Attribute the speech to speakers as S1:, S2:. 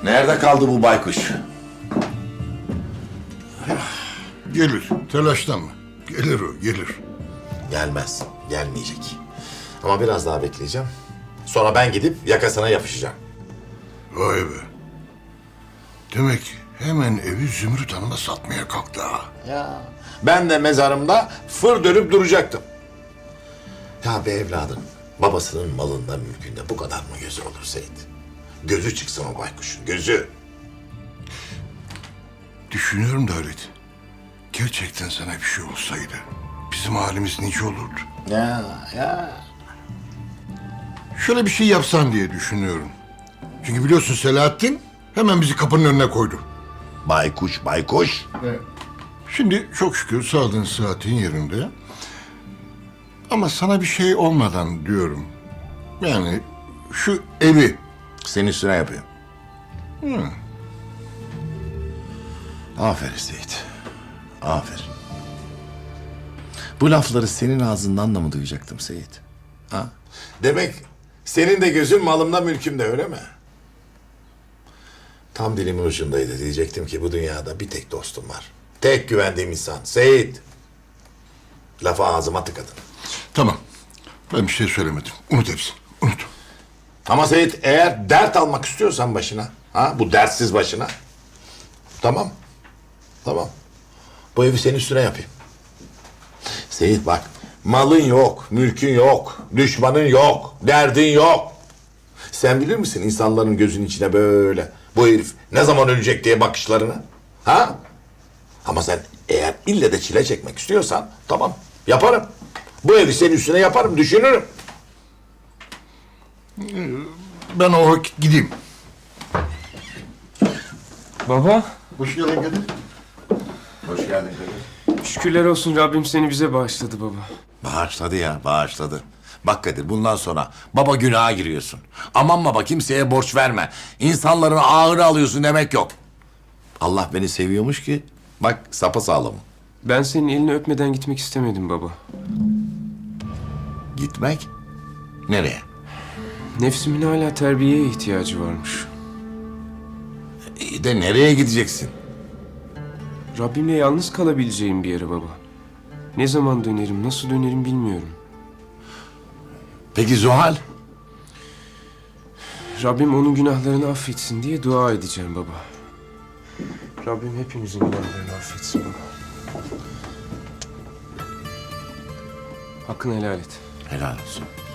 S1: Nerede kaldı bu baykuş?
S2: Gelir, telaşlanma. Gelir o, gelir.
S1: Gelmez, gelmeyecek. Ama biraz daha bekleyeceğim. Sonra ben gidip yakasına yapışacağım.
S2: Vay be. Demek hemen evi Zümrüt Hanım'a satmaya kalktı ha.
S1: Ya ben de mezarımda fır dönüp duracaktım. Ya be evladım, babasının malında mülkünde bu kadar mı gözü olur Seyit? Gözü çıksın o baykuşun, gözü.
S2: Düşünüyorum da Halit. Gerçekten sana bir şey olsaydı bizim halimiz nice olurdu.
S1: Ya.
S2: Şöyle bir şey yapsan diye düşünüyorum. Çünkü biliyorsun Selahattin hemen bizi kapının önüne koydu.
S1: Baykuş.
S2: Şimdi çok şükür sağlığın sıhhatin yerinde. Ama sana bir şey olmadan diyorum. Yani şu evi.
S1: Senin üstüne yapıyor. Aferin Seyit. Aferin. Bu lafları senin ağzından da mı duyacaktım Seyit? Ha? Demek senin de gözün malımda mülkümde öyle mi? Tam dilimin ucundaydı. Diyecektim ki bu dünyada bir tek dostum var. Tek güvendiğim insan Seyit. Lafı ağzıma tıkadın.
S2: Tamam. Ben bir şey söylemedim. Unut hepsini. Unut.
S1: Ama Seyit eğer dert almak istiyorsan başına, bu dertsiz başına. Tamam. Bu evi senin üstüne yapayım. Seyit bak, malın yok, mülkün yok, düşmanın yok, derdin yok. Sen bilir misin insanların gözünün içine böyle bu herif ne zaman ölecek diye bakışlarını? Ha? Ama sen eğer ille de çile çekmek istiyorsan tamam yaparım. Bu evi senin üstüne yaparım, düşünürüm.
S2: Ben o vakit gideyim.
S3: Baba,
S2: Hoş geldin Kadir.
S1: Hoş geldin Kadir.
S3: şükürler olsun Rabbim seni bize bağışladı baba.
S1: Bağışladı ya, bağışladı. Bak Kadir, bundan sonra baba günaha giriyorsun. Aman baba kimseye borç verme. İnsanların ağır alıyorsun demek yok. Allah beni seviyormuş ki bak sapasağlamım.
S3: Ben senin elini öpmeden gitmek istemedim baba.
S1: Gitmek? Nereye?
S3: Nefsimin hala terbiyeye ihtiyacı varmış.
S1: İyi de nereye gideceksin?
S3: Rabbimle yalnız kalabileceğim bir yere baba. Ne zaman dönerim, nasıl dönerim bilmiyorum.
S1: Peki Zuhal?
S3: Rabbim onun günahlarını affetsin diye dua edeceğim baba. Rabbim hepimizin günahlarını affetsin baba. Hakkını helal et.
S1: Helal olsun.